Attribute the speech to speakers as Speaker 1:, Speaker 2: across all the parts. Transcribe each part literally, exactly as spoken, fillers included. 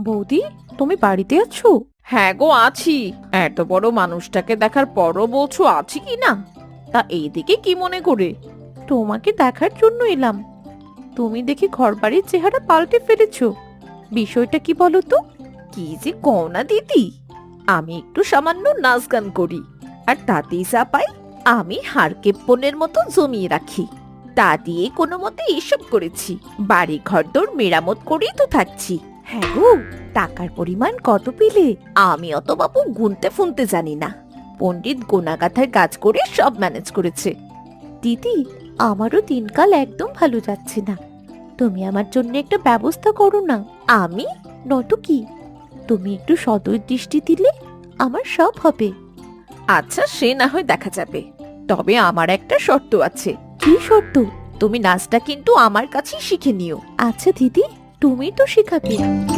Speaker 1: বৌদি, তুমি বাড়িতে আছো?
Speaker 2: হ্যাঁ গো, আছি। এত বড় মানুষটাকে দেখার পরও বলছো আছি কি না? তা এইদিকে কি মনে করে?
Speaker 1: তোমাকে দেখার জন্য এলাম। তুমি দেখি ঘরবাড়ির চেহারা পাল্টে ফেলেছো। বিষয়টা কি বলো তো?
Speaker 2: কি যে কও না দিদি, আমি একটু সামান্য নাচ গান করি, আর তাতেই যা পাই আমি হাড়কেপ্পনের মতো জমিয়ে রাখি। তা দিয়ে কোনো মতে এসব করেছি, বাড়ি ঘর দোর মেরামত করেই তো থাকছি।
Speaker 1: হ্যাঁ গো, টাকার পরিমাণ কত পেলে?
Speaker 2: আমি অত বাবু গুনতে ফুনতে জানি না, পণ্ডিত গোনাগাথার কাজ করে সব ম্যানেজ করেছে।
Speaker 1: দিদি, আমারও দিনকাল একদম ভালো যাচ্ছে না। তুমি আমার জন্য একটা ব্যবস্থা করো না।
Speaker 2: আমি
Speaker 1: নয়তো কি, তুমি একটু সদয় দৃষ্টি দিলে আমার সব হবে।
Speaker 2: আচ্ছা, সে না হয় দেখা যাবে, তবে আমার একটা শর্ত আছে।
Speaker 1: কি শর্ত?
Speaker 2: তুমি নাচটা কিন্তু আমার কাছেই শিখে নিও।
Speaker 1: আচ্ছা দিদি, তুমি তো শেখাবে।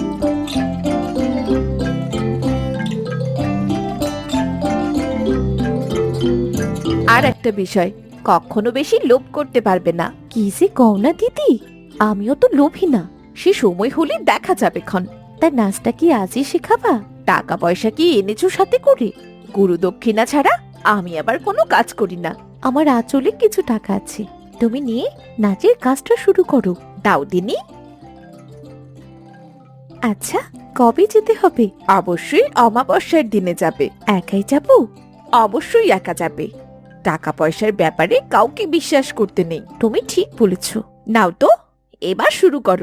Speaker 2: আর একটা বিষয়, কখনো বেশি লোভ করতে পারবে না।
Speaker 1: কি যে কও না দিদি, আমিও তো লোভী না।
Speaker 2: সে সময় হলে দেখা যাবে ক্ষণ।
Speaker 1: তার নাচটা কি আজই শেখাবা?
Speaker 2: টাকা পয়সা কি এনেছো সাথে করে? গুরু দক্ষিণা ছাড়া আমি আবার কোনো কাজ করি না।
Speaker 1: আমার আঁচলে কিছু টাকা আছে, তুমি নিয়ে নাচের কাজটা শুরু করো।
Speaker 2: দাও দিনি।
Speaker 1: আচ্ছা, কবে যেতে হবে?
Speaker 2: অবশ্যই অমাবস্যার দিনে যাবে।
Speaker 1: একাই যাব?
Speaker 2: অবশ্যই একা যাবে। টাকা পয়সার ব্যাপারে কাউকে বিশ্বাস করতে নেই।
Speaker 1: তুমি ঠিক বলেছো।
Speaker 2: নাও তো, এবার শুরু করো।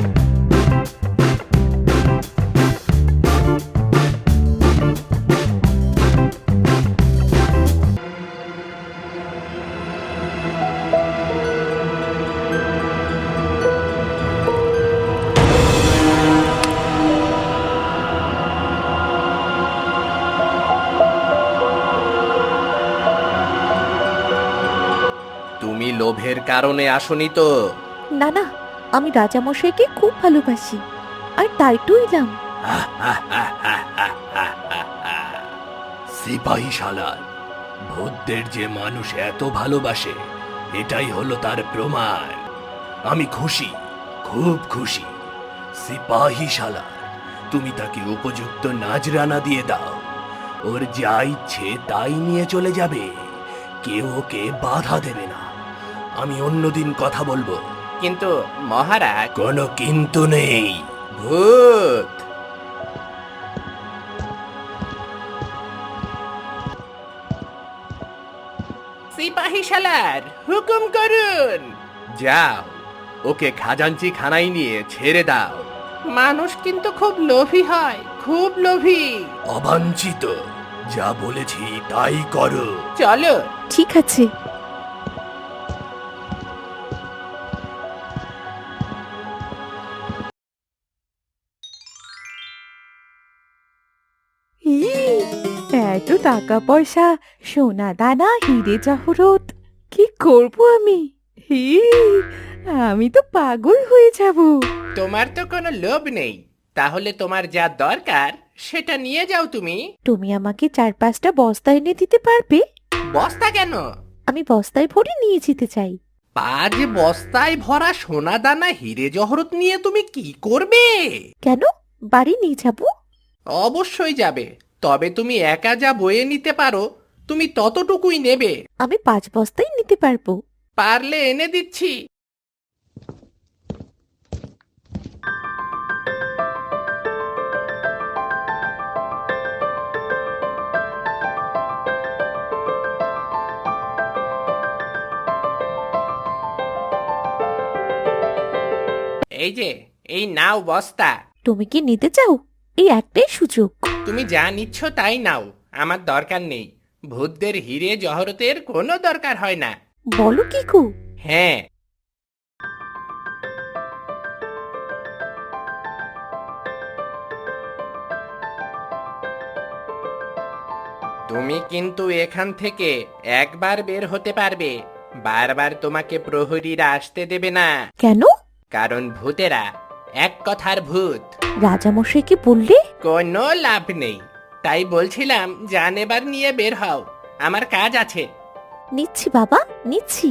Speaker 3: তুমি লোভের কারণে আসনি তো?
Speaker 1: না না, আমি রাজামশাইকে খুব ভালোবাসি, আর তাই তো এলাম।
Speaker 3: সিপাহী শালার, ভূতদের যে মানুষ এত ভালোবাসে, এটাই হলো তার প্রমাণ। আমি খুশি, খুব খুশি। সিপাহী শালার, তুমি তাকে উপযুক্ত নাজরানা দিয়ে দাও। ওর যা ইচ্ছে তাই নিয়ে চলে যাবে, কেউ ওকে বাধা দেবে না। আমি অন্যদিন কথা বলবো। কিন্তু মহারাজ, কোনো কিন্তু নেই। ভূত সিপাহী শালার, হুকুম করুন। যাও, ওকে খাজাঞ্চি খানায় নিয়ে ছেড়ে দাও। মানুষ কিন্তু খুব লোভী হয়, খুব লোভী। অবাঞ্ছিত, যা বলেছি তাই করো। চলো।
Speaker 1: ঠিক আছে। এই, এত টাকা পয়সা, সোনা দানা, হিরে জহরত, কি করব আমি? হি, আমি তো পাগল হয়ে যাব।
Speaker 3: তোমার তো কোনো লোভ নেই, তাহলে তোমার যা দরকার সেটা নিয়ে যাও তুমি।
Speaker 1: তুমি আমাকে চার পাঁচটা বস্তা এনে দিতে পারবে?
Speaker 3: বস্তা কেন?
Speaker 1: আমি বস্তায় ভরে নিয়ে যেতে চাই।
Speaker 3: পাঁচ বস্তায় ভরা সোনা দানা হিরে জহরত নিয়ে তুমি কি করবে?
Speaker 1: কেন, বাড়ি নিয়ে যাব?
Speaker 3: অবশ্যই যাবে, তবে তুমি একা যা বয়ে নিতে পারো তুমি ততটুকুই নেবে।
Speaker 1: আমি পাঁচ বস্তাই নিতে পারবো।
Speaker 3: পারলে এনে দিচ্ছি। এই যে, এই নাও বস্তা।
Speaker 1: তুমি কি নিতে চাও? এই একটাই সুযোগ।
Speaker 3: তুমি যা নিচ্ছ তাই নাও, আমার দরকার নেই। ভূতদের হিরে জহরতের কোনো দরকার হয় না।
Speaker 1: বলো কি কু?
Speaker 3: হ্যাঁ। তুমি কিন্তু এখান থেকে একবার বের হতে পারবে, বারবার তোমাকে প্রহরীরা আসতে দেবে না।
Speaker 1: কেন?
Speaker 3: কারণ ভূতেরা এক কথার ভূত।
Speaker 1: রাজামশাইকে বললে?
Speaker 3: কোনো লাভ নেই, তাই বলছিলাম জান এবার নিয়ে বের হও, আমার কাজ আছে।
Speaker 1: নিচ্ছি বাবা, নিচ্ছি।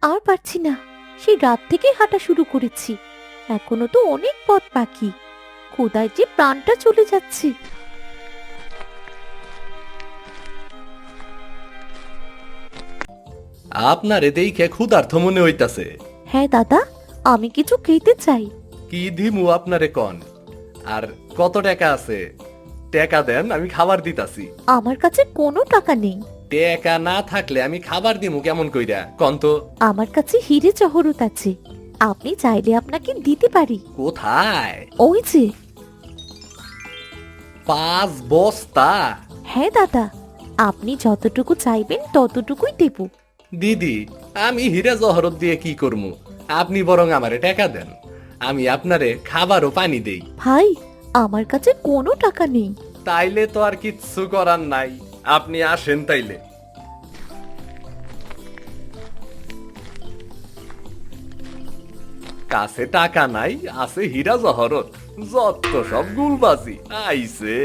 Speaker 2: আর পারছি না, সেই রাত থেকে হাঁটা শুরু করেছি, এখনো তো অনেক পথ বাকি। কোদায় যে প্রাণটা চলে যাচ্ছে।
Speaker 3: আপনারে দেখে ক্ষুধার্ত মনে হইতাছে।
Speaker 2: হ্যাঁ দাদা, আমি কিছু খেতে চাই।
Speaker 3: কি দিমু আপনারে কন? আর কত টাকা আছে? টাকা দেন, আমি খাবার দিতাছি।
Speaker 2: আমার কাছে কোনো টাকা নেই।
Speaker 3: টাকা না থাকলে আমি খাবার দিমু কেমন কইরা কন তো?
Speaker 2: আমার কাছে হিরে জহরত আছে, আপনি চাইলে আপনাকে দিতে পারি।
Speaker 3: কোথায়?
Speaker 2: ওই যে।
Speaker 3: পাঁচ বস্তা?
Speaker 2: হ্যাঁ দাদা, আপনি যতটুকু চাইবেন ততটুকুই দেব।
Speaker 3: দিদি, আমি হীরা জহরত দিয়ে কি করমু? আপনি বরং আমারে টাকা দেন, আমি আপনারে খাবার ও পানি দেই।
Speaker 2: ভাই, আমার কাছে কোনো টাকা নেই।
Speaker 3: তাইলে তো আর কিচ্ছু করার নাই, আপনি আসেন তাইলে। কাছে টাকা নাই, আছে হীরা জহরত, যত সব গুলবাজি আইছে।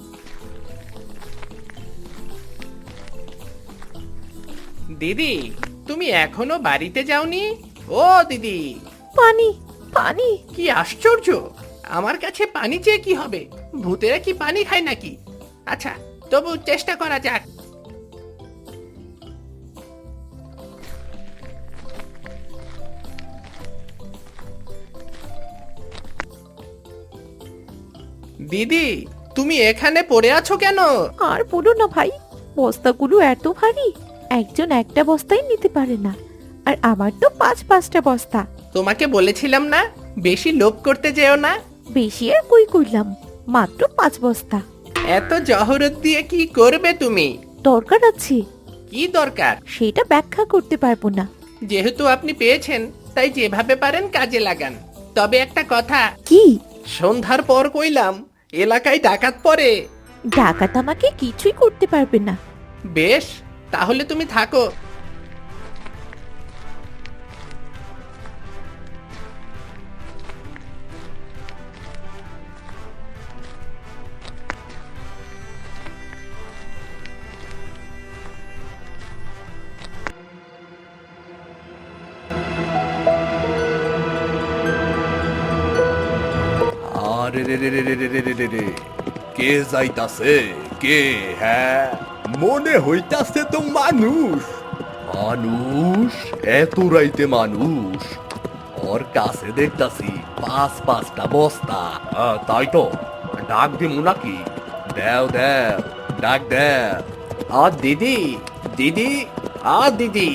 Speaker 4: দিদি, তুমি এখনো বাড়িতে যাওনি? ও দিদি,
Speaker 2: পানি, পানি।
Speaker 4: কি আশ্চর্য! আমার কাছে পানি চেয়ে কি হবে? ভূতেরা কি পানি খায় নাকি? আচ্ছা, তবু চেষ্টা করা যাক। দিদি, তুমি এখানে পড়ে আছো কেন?
Speaker 2: আর বলো না ভাই, বস্তাগুলো এত ভারী, একজন একটা বস্তাই নিতে পারে না, আর আমার তো পাঁচ পাঁচটা বস্তা।
Speaker 4: তোমাকে বলেছিলাম না, বেশি লোভ করতে যেও না।
Speaker 2: বেশি আর কই করলাম, মাত্র পাঁচ বস্তা।
Speaker 4: এত জহরত দিয়ে কি করবে তুমি?
Speaker 2: দরকার আছে।
Speaker 4: কি দরকার?
Speaker 2: সেটা ব্যাখ্যা করতে পারবো না।
Speaker 4: যেহেতু আপনি পেয়েছেন, তাই যেভাবে পারেন কাজে লাগান। তবে একটা কথা,
Speaker 2: কি?
Speaker 4: সন্ধ্যার পর কইলাম, এলাকায় ডাকাত পড়ে।
Speaker 2: ডাকাত আমাকে কিছুই করতে পারবে না।
Speaker 4: বেশ, তাহলে তুমি থাকো।
Speaker 3: আরে রে রে রে রে রে রে রে রে রে। কে যাইতাছে? কে? হ্যাঁ, মনে হইতাছে তো মানুষ। মানুষ? এত রাইতে মানুষ? ওর কাছে দেখতাছি পাঁচ পাঁচটা বস্তা। আহ, তাই তো, ডাক দিমু নাকি? দেও দেও, ডাক দেও।
Speaker 4: আ দিদি, দিদি, আ দিদি।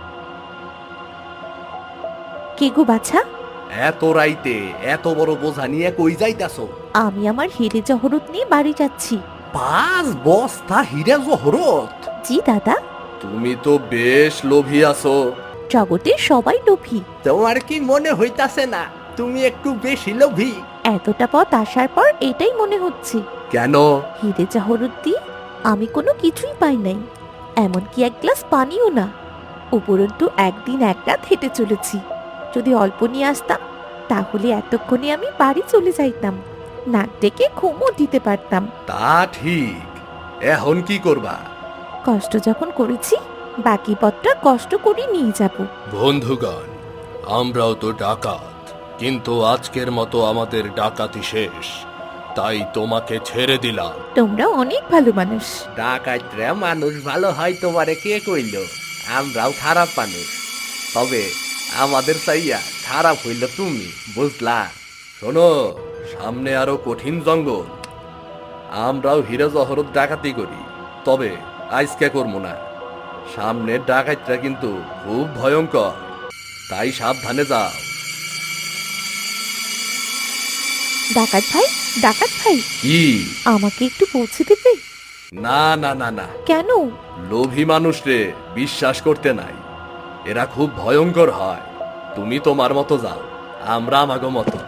Speaker 2: কে গো বাছা?
Speaker 3: এত রাইতে এত বড় বোঝা নিয়ে কই যাইতাছো?
Speaker 2: আমি আমার হিরে জহরত নিয়ে বাড়ি যাচ্ছি।
Speaker 3: পাঁচ বস্তা হীরা জহরত?
Speaker 2: জি দাদা।
Speaker 3: তুমি তো বেশ লোভী আছো।
Speaker 2: জগতের সবাই লোভী।
Speaker 4: তোমার কি মনে হইতাছে না তুমি একটু বেশি লোভী?
Speaker 2: এতটা পথ আসার পর এটাই মনে হচ্ছে।
Speaker 3: কেন?
Speaker 2: হিরে জহরত দিয়ে আমি কোনো কিছুই পাই নাই, এমনকি এক গ্লাস পানিও না। উপরন্তু একদিন এক রাত হেঁটে চলেছি। যদি অল্প নিয়ে আসতাম, তাহলে এতক্ষণে আমি বাড়ি চলে যাইতাম, নাক ডেকে ঘুমও দিতে পারতাম।
Speaker 3: তা ঠিক, এখন কি করবা?
Speaker 2: কষ্ট যখন করেছি, বাকি পথটা কষ্ট করে নিয়ে যাব।
Speaker 3: বন্ধুগণ, আমরাও তো ডাকাত, কিন্তু আজকের মতো আমাদের ডাকাতি শেষ, তাই তোমাকে ছেড়ে দিলাম।
Speaker 2: তোমরা অনেক ভালো মানুষ।
Speaker 4: ডাকাতরা মানুষ ভালো হয় তোমারে কে কইল? আমরাও খারাপ মানুষ, তবে আমাদের চাইয়া খারাপ হইল তুমি, বুঝলা?
Speaker 3: শোনো, সামনে আরো কঠিন জঙ্গল। আমরাও হীরা জহরত ডাকাতি করি, তবে আজকে করবো না। সামনের ডাকাতরা কিন্তু খুব ভয়ঙ্কর, তাই সাবধানে যাও।
Speaker 2: ডাকাত ভাই, ডাকাত ভাই,
Speaker 3: কি?
Speaker 2: আমাকে একটু পৌঁছে দেবে?
Speaker 3: না না না না,
Speaker 2: কেন?
Speaker 3: লোভী মানুষরে বিশ্বাস করতে নাই, এরা খুব ভয়ঙ্কর হয়। তুমি তোমার মতো যাও, আমরা আমাগো মতো।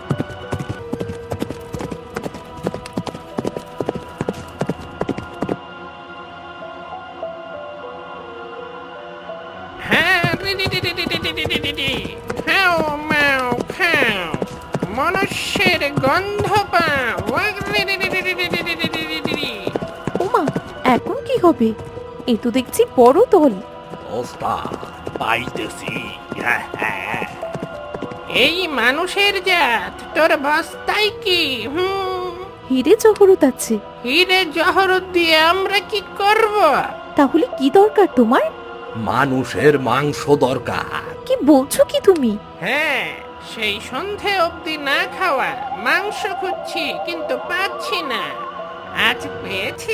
Speaker 4: হ্যাঁ, রি রি রি রি রি রি রি রি রি রি। হ্যাও ম্যাও খ্যাও, মনুষ্যের গন্ধ পাও। ওয়াক রি রি রি রি রি রি রি রি রি রি রি রি।
Speaker 2: ওমা, এখন কি হবে? এ তো দেখছি বড় দল।
Speaker 3: ওস্তাদ পাইতেছি। হ্যাঁ, হ্যাঁ।
Speaker 5: এই মানুষের জাত তোর বস্তায় কি হুম
Speaker 1: হিরে জহরত আছে।
Speaker 5: হিরে জহরত দিয়ে আমরা কি করব?
Speaker 1: তাহলে কি দরকার তোমার?
Speaker 3: মানুষের মাংস দরকার।
Speaker 1: কি বলছো কি তুমি?
Speaker 5: হ্যাঁ, সেই সন্ধে অবধি না খাওয়া মাংস খুঁজছি কিন্তু পাচ্ছি না। আজ পেয়েছি।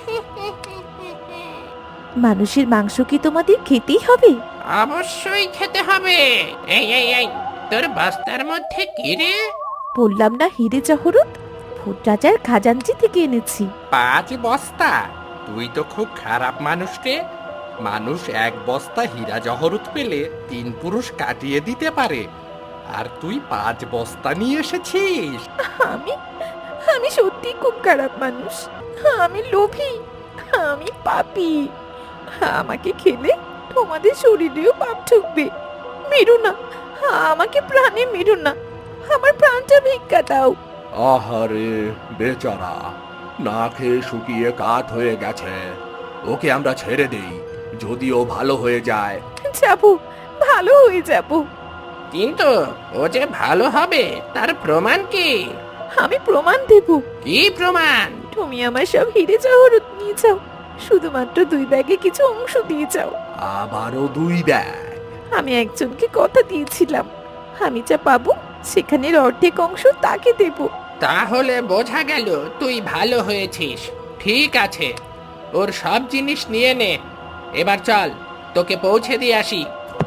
Speaker 1: মানুষের মাংস কি তোমাদের খেতেই হবে?
Speaker 5: অবশ্যই খেতে হবে। এই এই এই তোর বস্তার মধ্যে কি রে?
Speaker 1: বললাম না হিরে জহরত, ভূত রাজার খাজাঞ্চি থেকে এনেছি।
Speaker 6: পাঁচ বস্তা? তুই তো খুব খারাপ মানুষ রে। মানুষ এক বস্তা হীরা জহরত পেলে তিন পুরুষ কাটিয়ে দিতে পারে, আর তুই পাঁচ বস্তা নিয়ে এসেছিস।
Speaker 1: আমি আমি সত্যি খুব খারাপ মানুষ। আমি লোভী, আমি পাপী। আমাকে খেলে তোমাদের শরীরেও পাপ ঢুকবে। মেরো না, আমাকে প্রাণে মেরো না, আমার প্রাণটা ভিক্ষা দাও।
Speaker 3: আহারে বেচারা, না খেয়ে শুকিয়ে কাঠ হয়ে গেছে। ওকে আমরা ছেড়ে দেই, যদি ও ভালো হয়ে যায়।
Speaker 1: যাবো, ভালো হয়ে যাবো।
Speaker 5: কিন্তু ও যে ভালো হবে তার প্রমাণ কি?
Speaker 1: আমি প্রমাণ দেব।
Speaker 5: কি প্রমাণ?
Speaker 1: তুমি আমার সব হিরে জহরত নিয়ে যাও, শুধুমাত্র দুই ব্যাগে কিছু অংশ দিয়ে যাও।
Speaker 3: আবারও দুই ব্যাগ?
Speaker 1: আমি একজনকে কথা দিয়েছিলাম, আমি যা পাবো সেখানের অর্ধেক অংশ তাকে দেব।
Speaker 5: তাহলে বোঝা গেল তুই ভালো হয়েছিস। ঠিক আছে, ওর সব জিনিস নিয়ে নে। এবার চল, তোকে পৌঁছে দিয়ে আসি।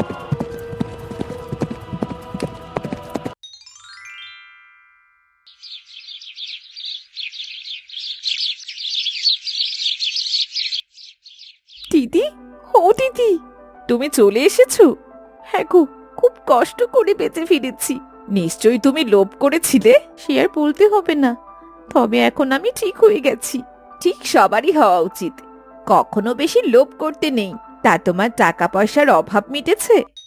Speaker 1: দিদি, ও দিদি, তুমি চলে এসেছো? হ্যাঁ গো, খুব কষ্ট করে বেঁচে ফিরেছি। নিশ্চয়ই তুমি লোভ করেছিলে। সে আর বলতে হবে না, তবে এখন আমি ঠিক হয়ে গেছি। ঠিক সবারই হওয়া উচিত, কখনো বেশি লোভ করতে নেই। তা তোমার টাকা পয়সার অভাব মিটেছে?